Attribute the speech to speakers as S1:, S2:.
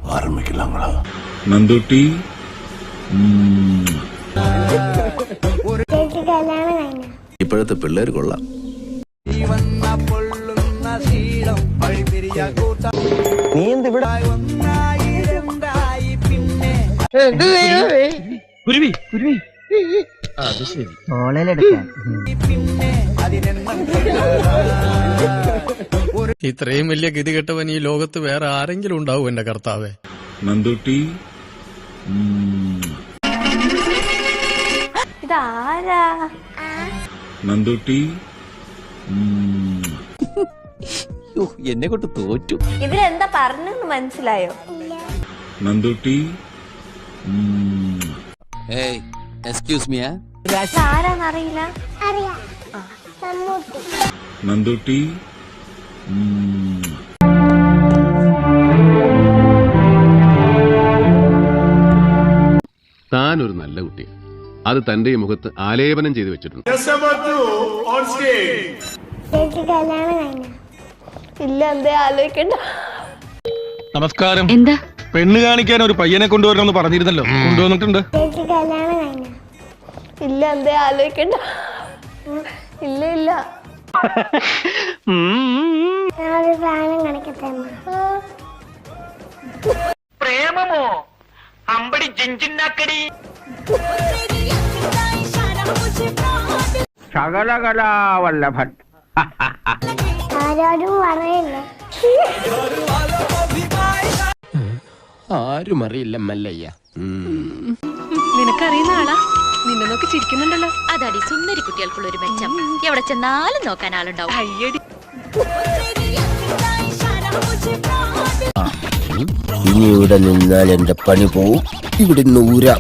S1: ആരംഭിക്കലാങ്ങളാ
S2: നന്ദുട്ടി
S1: ഇപ്പോഴത്തെ പിള്ളേർ കൊള്ളാം.
S3: നീ എന്തിവിടെ
S4: ഇത്രയും വലിയ ഗതികെട്ടവൻ ഈ ലോകത്ത് വേറെ ആരെങ്കിലും ഉണ്ടാവും എന്റെ കർത്താവേ.
S2: നന്ദുട്ടി
S5: ഇതാരാ?
S2: നന്ദുട്ടി
S3: എന്നെ കൊണ്ട് തോറ്റു.
S5: ഇവരെന്താ പറഞ്ഞെന്ന് മനസ്സിലായോ?
S2: Nandutty
S3: excuse me.
S5: ആരാന്നറിയില്ല.
S2: നന്ദുട്ടി
S6: താനൊരു നല്ല കുട്ടി, അത് തന്റെ മുഖത്ത് ആലേപനം ചെയ്തു വെച്ചിട്ടുണ്ട്.
S5: ഇല്ല, എന്തേ ആലോചിക്കണ്ട.
S4: നമസ്കാരം.
S7: എന്താ?
S4: പെണ്ണ് കാണിക്കാൻ ഒരു പയ്യനെ കൊണ്ടുവരണമെന്ന് പറഞ്ഞിരുന്നല്ലോ, കൊണ്ടുവന്നിട്ടുണ്ട്.
S5: ഇല്ല, എന്തേ ആലോചിക്കണ്ട. ഇല്ല ഇല്ല.
S8: പ്രേമമോ അമ്പടി ജിഞ്ചിന്നാക്കടി ശകലകലാവല്ലഭൻ.
S5: ആരോടും പറയില്ല.
S3: ആരും അറിയില്ല മല്ലയ്യ.
S7: നിനക്കറിയുന്ന ആളാ? നിന്നെ നോക്കി ചിരിക്കുന്നുണ്ടല്ലോ. അതാടി സുന്ദരി കുട്ടികൾക്കുള്ള ഒരു മെച്ചം. എവിടെ ചെന്നാലും നോക്കാൻ ആളുണ്ടാവും. അയ്യടി.
S3: ഇനി ഇവിടെ നിന്നാൽ എന്റെ പണി പോവും. ഇവിടെ നൂര